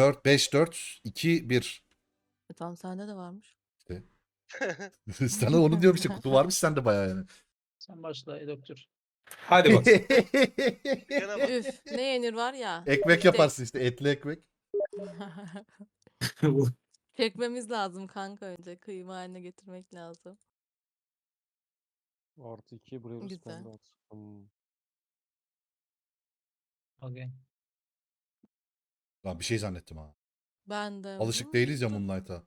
4, 5, 4, 2, 1. Tamam sende de varmış. İşte. Sana onu diyorum işte, kutu varmış sende bayağı yani. Sen başla ey doktor. Hadi bakalım. Yana bak. Üf ne yenir var ya. Ekmek biftek. yaparsın işte, etli ekmek. Çekmemiz lazım kanka önce. Kıyma haline getirmek lazım. Artı 2 buraya bir Güzel. standart. Okay. Lan bir şey zannettim ha. Ben de. Alışık değiliz ya Moonlight'a.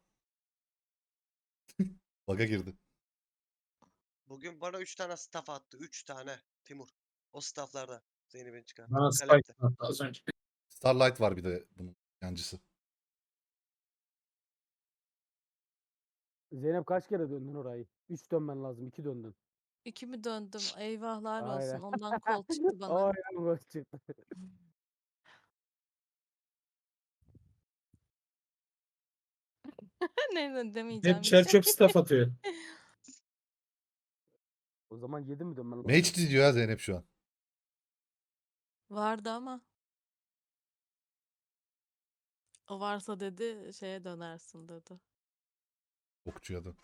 Bug'a girdi. Bugün bana 3 tane staff attı. 3 tane. Timur. O stafflarda. Zeynep'in çıkan. Bana Galep'te. spike attı az önce. Starlight var bir de bunun yancısı. Zeynep kaç kere döndün orayı? 3 dönmen lazım. 2 döndün. 2 mi döndüm? Eyvahlar Aynen. olsun. Ondan kol çıktı bana. Aynen gol çıktı. Ne demeyeceğim. Hep bir çer şey. çöp staff atıyor. O zaman 7 mi dönmen lazım? Mage diyor ya Zeynep şu an. Vardı ama. O varsa dedi şeye dönersin dedi. Okçuya da.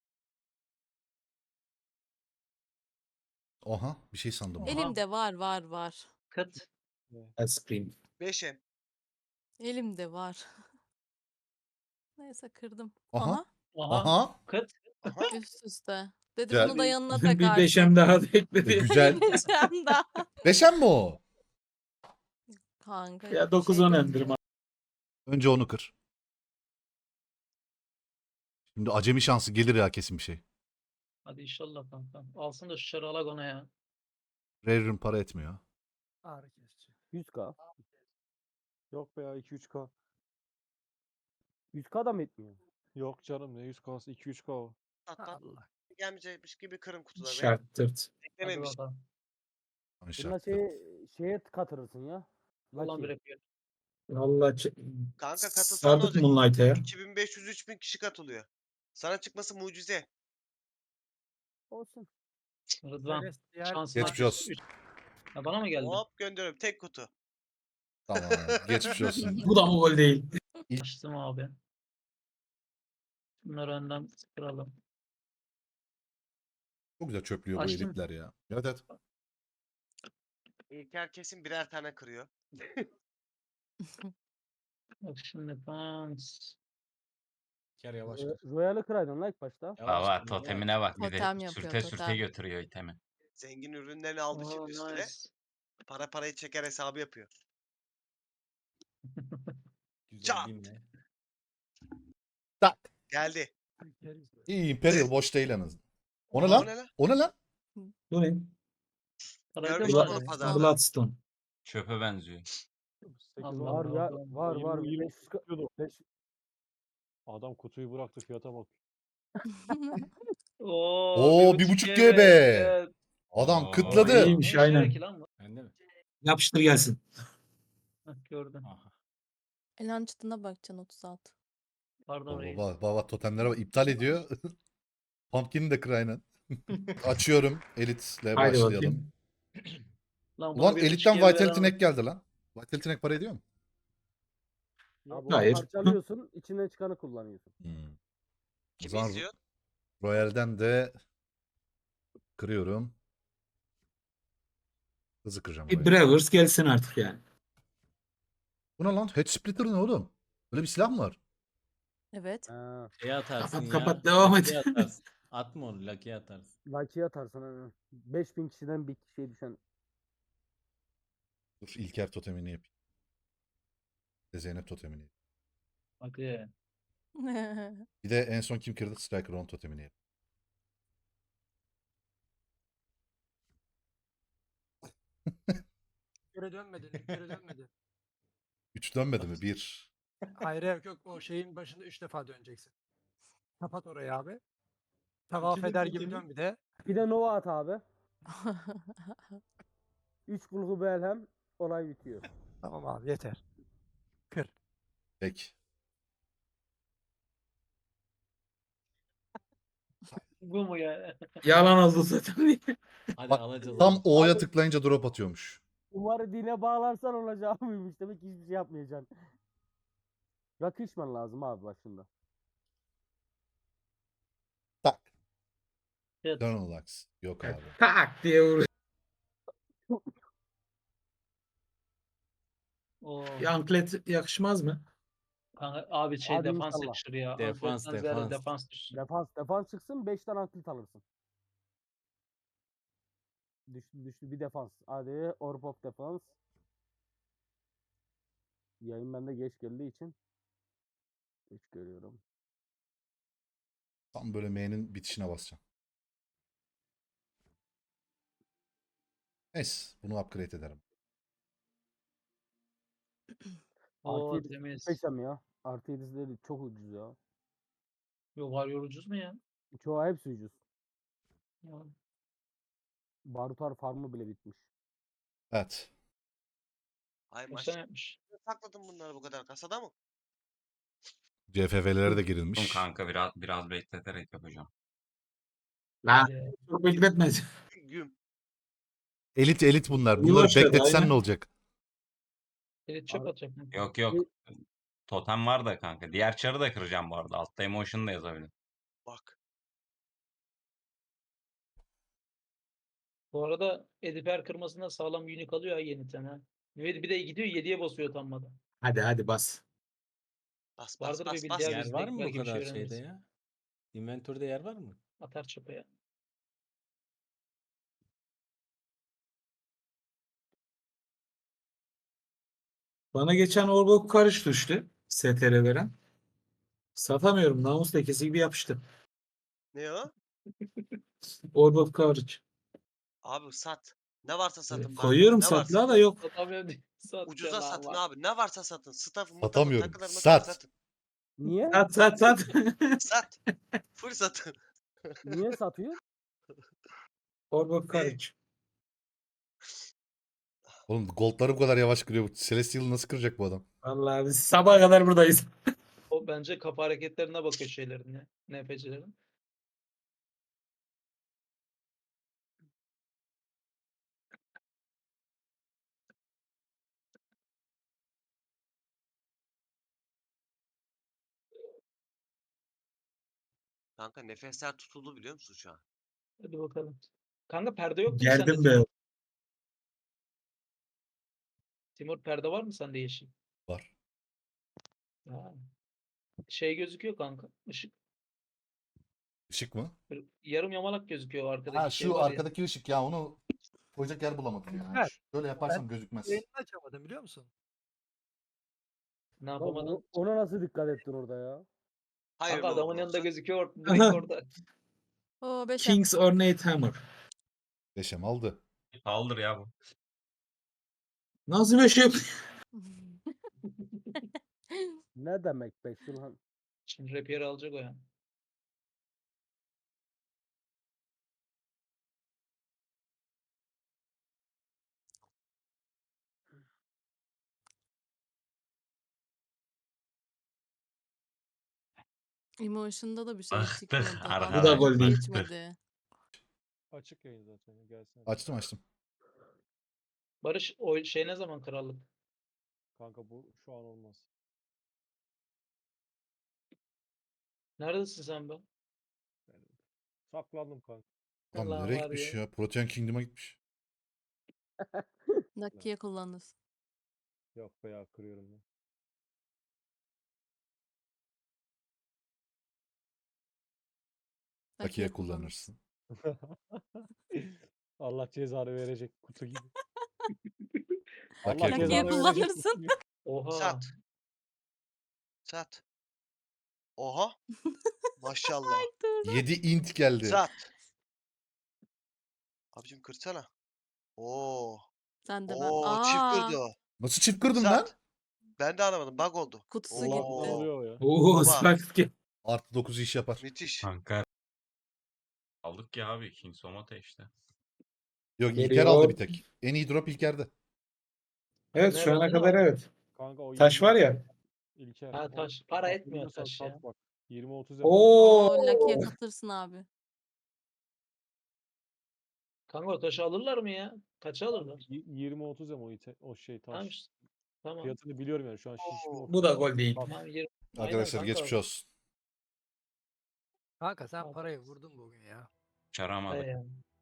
Oha, bir şey sandım. Aha. Elimde var. Kıt. Ice cream. 5'e. Elimde var. Neyse kırdım. Aha. Aha. Aha. Aha. Kıt. Aha. Üst üste. Dedi Güzel. bunu da yanına Bir takarsın. beşem daha da ekledi. Güzel. Beşem daha. Beşen mi o? Kanka Ya yok, bir 9-10 şey endirme. Önce onu kır. Şimdi acemi şansı gelir ya kesin bir şey. Hadi inşallah kanka. Alsın da şu çarı alak ona ya. Rare Rune para etmiyor. Ağrı kesici. 100k. Yok be ya 2-3K. 100k da mı etmiyor? Yok canım ne 100K'sı 2-3K o. Atlat. Gelmeyecekmiş gibi kırın kutuları. Şart tırt. Hadi Beklememiş. bakalım. Bununla Şartlı. şeye katırırsın ya. Ulan bir Lucky. yapıyor. Valla Kanka katılsan ne sardık olacak? Moonlight'a ya. 2500-3000 kişi katılıyor. Sana çıkması mucize. Olsun. Rıdvan. Şansın Geçmiş artık olsun. üç. Ya bana mı geldi? Hop gönderiyorum. Tek kutu. Tamam. Geçmiş olsun. Bu da mı gol değil? Açtım abi. Bunları önden kıralım. Çok güzel çöplüyor bu Açtım. elitler ya. Evet evet. İlker kesin birer tane kırıyor. Bak şimdi dans. Ker yavaş. Royal'ı kıraydın like başta. Baba totemine bak bir Totem de yapıyor, sürte totem. götürüyor itemi. Zengin ürünlerini aldı Oo, şimdi üstüne. nice. Parayı çeker hesabı yapıyor. Güzel Çat! dinle. Tak. Geldi. İyi Imperial boş değil en azından. O ne O lan? ne lan? O ne lan? Bu ne? Görmüş Blood- oldum Blood- pazarda. Bloodstone. Çöpe benziyor. 8 Allah Var Allah. ya var 20 500 Adam kutuyu bıraktı fiyata bak. Oo, 1.5 GB. Evet. Adam Oo, kıtladı. İyiymiş şey aynen. Bende mi? Yapıştır gelsin. Heh, gördüm. Aha. Elan çıtına bakacaksın 36. Pardon reis. Baba totemlere bak, iptal ediyor. Pumpkin'i de kır aynen. Açıyorum. Elitle Haydi başlayalım. bakayım. Lan buna Ulan bir elitten buçuk Vitality GB Neck geldi lan. Vitality Neck para ediyor mu? Abi Hayır. parçalıyorsun, içinden çıkanı kullanıyorsun. O Kim zaman izliyor? Royal'den de kırıyorum. Hızlı kıracağım Bir Royal'i. Bravers gelsin artık yani. Bu ne lan? Head Splitter ne oğlum? Böyle bir silah mı var? Evet. Ha, Şey atarsın ya. Kapat, devam et. Lucky atarsın. Atma onu Lucky atarsın. Lucky'ye atarsın. Hani. 5000 kişiden bir kişiye düşen. Dur İlker totemini yapayım. Bir de Zeynep totemini yapayım. Hadi. Bir de en son kim kırdı? Striker on totemini yapayım. Geri dönmedi. Geri dönmedi. 3 dönmedi mi? 1. Hayır yok o şeyin başında 3 defa döneceksin. Kapat orayı abi. Tavaf eder gibi dön bir de. Bir de Nova at abi. 3 kulhu belhem olay bitiyor. Tamam abi yeter. Kır. Peki. Bu mu ya? Yalan oldu zaten. Hadi Bak, alacağız. Tam onu. O'ya Abi- tıklayınca drop atıyormuş. Umarı dine bağlarsan olacağı buymuş. Demek ki hiçbir şey yapmayacaksın. Rakı içmen lazım abi başında. Tak. Evet. Turn yok abi. Tak diye vur. Oo. Anklet yakışmaz mı? Kanka, abi şey Hadi defans inşallah. yakışır ya. Defans, Ankletten ziyade defans. defans düşsün. Defans çıksın 5 tane anklit alırsın. Düştü bir defans. Hadi Orb of Defans. Yayın bende geç geldiği için geç görüyorum. Tam böyle M'nin bitişine basacağım. Neyse bunu upgrade ederim. Oo Artı 7 temiz. peşem ya. Artı 7'si de çok ucuz ya. Yok, var yorucuz mu ya? Çoğu hepsi ucuz. Ya. Barutar farmı bile bitmiş. Evet. Ay Kaç tane maşallah. yapmış? Sakladın bunları bu kadar kasada mı? CFV'lere de Oğlum girilmiş. kanka biraz bekleterek yapacağım. Lan Hadi. çok bekletmez. Güm. Elit bunlar. İyi Bunları başladı, bekletsen aynen. ne olacak? Elit çöp Abi- atacak. mı? Yok yok. Totem var da kanka. Diğer çarı da kıracağım bu arada. Altta emotion da yazabilirim. Bak. Bu arada Ediper kırmasında sağlam unique alıyor ha yeni tane. Bir de gidiyor 7'ye basıyor utanmadan. Hadi bas. Bas bas Vardır bir bas bildiği bas. abi. Yer biz var de mı bu belki bir şey kadar şeyde öğreniriz. ya? Inventörde yer var mı? Atar çöpe. Bana geçen Orbok karış düştü. STR veren. Satamıyorum. Namus lekesi gibi yapıştı. Ne o? Orbok karış. Abi sat. Ne varsa satın bak. Koyuyorum Ne varsa. satlığa da yok. Satamıyorum diye satacağım Ucuza satın Allah. abi. Ne varsa satın. Staff'ı mutafı Satamıyorum. takıları Sat. satın. Niye? Sat. Sat. Full satın. Niye satıyor? Orbok karış. Oğlum goldları bu kadar yavaş kırıyor. Celestial'ı nasıl kıracak bu adam? Vallahi biz sabaha kadar buradayız. O bence kapı hareketlerine bakıyor şeylerin ya. NPC'lerin. Kanka nefesler tutuldu biliyor musun şu an? Hadi bakalım. Kanka perde yok mu sende? Geldim be. Timur? Timur, perde var mı sende yeşil? Var. Ha. Şey gözüküyor kanka. Işık. Işık mı? Böyle yarım yamalak gözüküyor o arkadaki Ha şey şu var ya. arkadaki ışık ya onu koyacak yer bulamadım ya. Evet. Şöyle yaparsam gözükmez. Yayını açamadım biliyor musun? Ne Lan yapamadın? ona nasıl dikkat ettin orada ya? Hayır Kanka adamın yanında gözüküyor. Aha. Direkt orada. Oo 5 King's Ornate Hammer. Deşem aldı. Kaldır ya bu. Nasıl bir şey? Ne demek be Şulhan? Şimdi rapier alacak o ya. Emotion'da da bir şey Bıktık çıkmadı. arkadaş, Bu da Adam gol değil. geçmedi. Açık yayın zaten. Gelsin. Açtım. Barış o şey ne zaman krallık? Kanka bu şu an olmaz. Neredesin sen be? Yani saklandım kanka. Lan Allah nereye var gitmiş ya. ya? Protean Kingdom'a gitmiş. Lucky'ye kullanırsın. Yok be ya kırıyorum ben. Lucky'ye kullanırsın. Allah cezanı verecek kutu gibi. Lucky'ye Allah Lucky'ye cezanı kullanırsın. verecek kutu kullanırsın. gibi. Oha. Sat. Sat. Oha. Maşallah. 7 int geldi. Sat. Abicim kırsana. Oo. Sen de ben. Oo çift Aa, kırdı o. Nasıl çift kırdın lan? Sat. Ben de anlamadım. Bug oldu. kutusu Oo. Ne gitti. oluyor ya? Oo Baba. sakit ki. Artı 9 iş yapar. Müthiş. Kanka. Aldık ya abi. King Somata işte. Yok İlker Geliyor. aldı bir tek. En iyi drop İlker'de. Evet Ne şu ana verdin kadar abi? evet. Kanka o Taş var ya. İlker. Ha, o- taş. Para bak, etmiyor biliyorsan taş sat ya. Bak. 20-30 yapar. Oo. Oo, Lucky'ye katırsın abi. Kanka o taşı alırlar mı ya? Kaça alırlar? 20-30 ama o şey taş. Tamam işte. Tamam. Fiyatını biliyorum yani şu an şişme Oo, Bu da gol değil. Tamam, 20. Aynen Arkadaşlar kanka. geçmiş olsun. Kanka sen Abi. parayı vurdun bugün ya. Çaramadık. He.